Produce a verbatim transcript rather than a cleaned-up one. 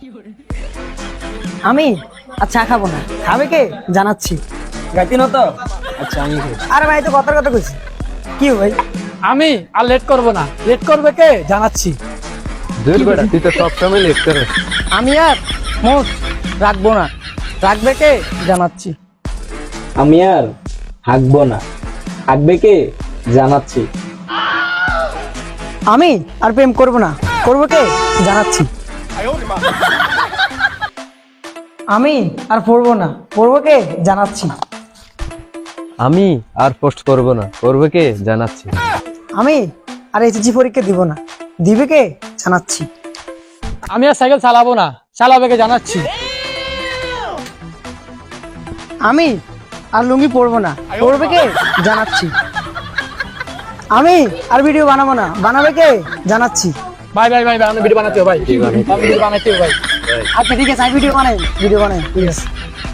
আমি আর চা খাবো না, খাবে কে জানাচ্ছি। গাইতি না তো? আচ্ছা আমি খাই। আরে ভাই তো কথার কথা কইছি, কি ভাই? আমি আর লেট করব না, লেট করবে কে জানাচ্ছি। দূর বেটা, তুই তো সবসময় লেট করিস। আমি আর মোট রাখবো না, রাখবে কে জানাচ্ছি। আমি আর হাঁকবো না, হাঁকবে কে জানাচ্ছি। আমি আর প্রেম করব না, করবো কে জানাচ্ছি। আমি আর পড়বো না, পড়বো কে জানাচ্ছি। আমি আর পোস্ট করব না, করবে কে জানাচ্ছি। আমি আর এইচএসসি পরীক্ষা দিব না, দিবে কে জানাচ্ছি। আমি আর সাইকেল চালাবো না, চালাবে কে জানাচ্ছি। আমি আর লুঙ্গি পরবো না, পরবে কে জানাচ্ছি। আমি আর ভিডিও বানাবো না, বানাবে কে জানাচ্ছি। ভাই ভাই ভাই ভাই, আমি ভিডিও বানাতে হবে ভাই, আমি ভিডিও বানাতে হবে ভাই। আচ্ছা ঠিক আছে, আমি ভিডিও বানাই, ভিডিও বানাই ঠিক আছে।